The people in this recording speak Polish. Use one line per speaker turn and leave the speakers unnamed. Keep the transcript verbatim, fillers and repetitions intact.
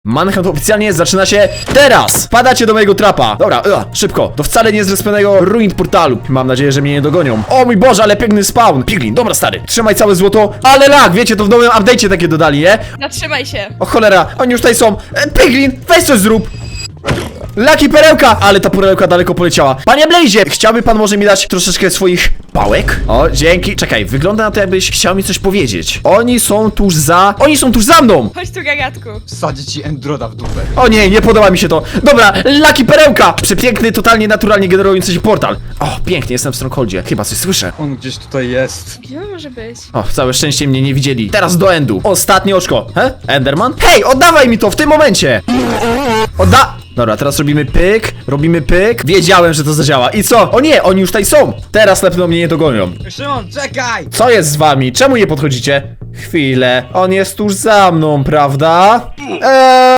Manhunt oficjalnie zaczyna się teraz! Wpadacie do mojego trapa. Dobra, ua, szybko. To wcale nie jest zrespionego ruin portalu. Mam nadzieję, że mnie nie dogonią. O mój Boże, ale piękny spawn. Piglin, dobra stary. Trzymaj całe złoto. Ale lag, wiecie, to w nowym update'cie takie dodali, nie?
Zatrzymaj się.
O cholera, oni już tutaj są. E, Piglin, weź coś zrób. Laki perełka! Ale ta perełka daleko poleciała. Panie Blazie, chciałby pan może mi dać troszeczkę swoich pałek? O, dzięki. Czekaj, wygląda na to, jakbyś chciał mi coś powiedzieć. Oni są tuż za... Oni są tuż za mną!
Chodź tu, gagatku.
Wsadzi ci Endroda w dupę.
O nie, nie podoba mi się to. Dobra, Laki perełka! Przepiękny, totalnie naturalnie generujący się portal. O, pięknie, jestem w Strongholdzie. Chyba coś słyszę.
On gdzieś tutaj jest.
Gdzie on może być?
O, całe szczęście mnie nie widzieli. Teraz do endu. Ostatnie oczko. He? Enderman? Hej, oddawaj mi to w tym momencie! Odda... Dobra, teraz robimy pyk, robimy pyk. Wiedziałem, że to zadziała. I co? O nie, oni już tutaj są. Teraz na pewno mnie nie dogonią.
Szymon, czekaj!
Co jest z wami? Czemu nie podchodzicie? Chwilę. On jest tuż za mną, prawda? Eee...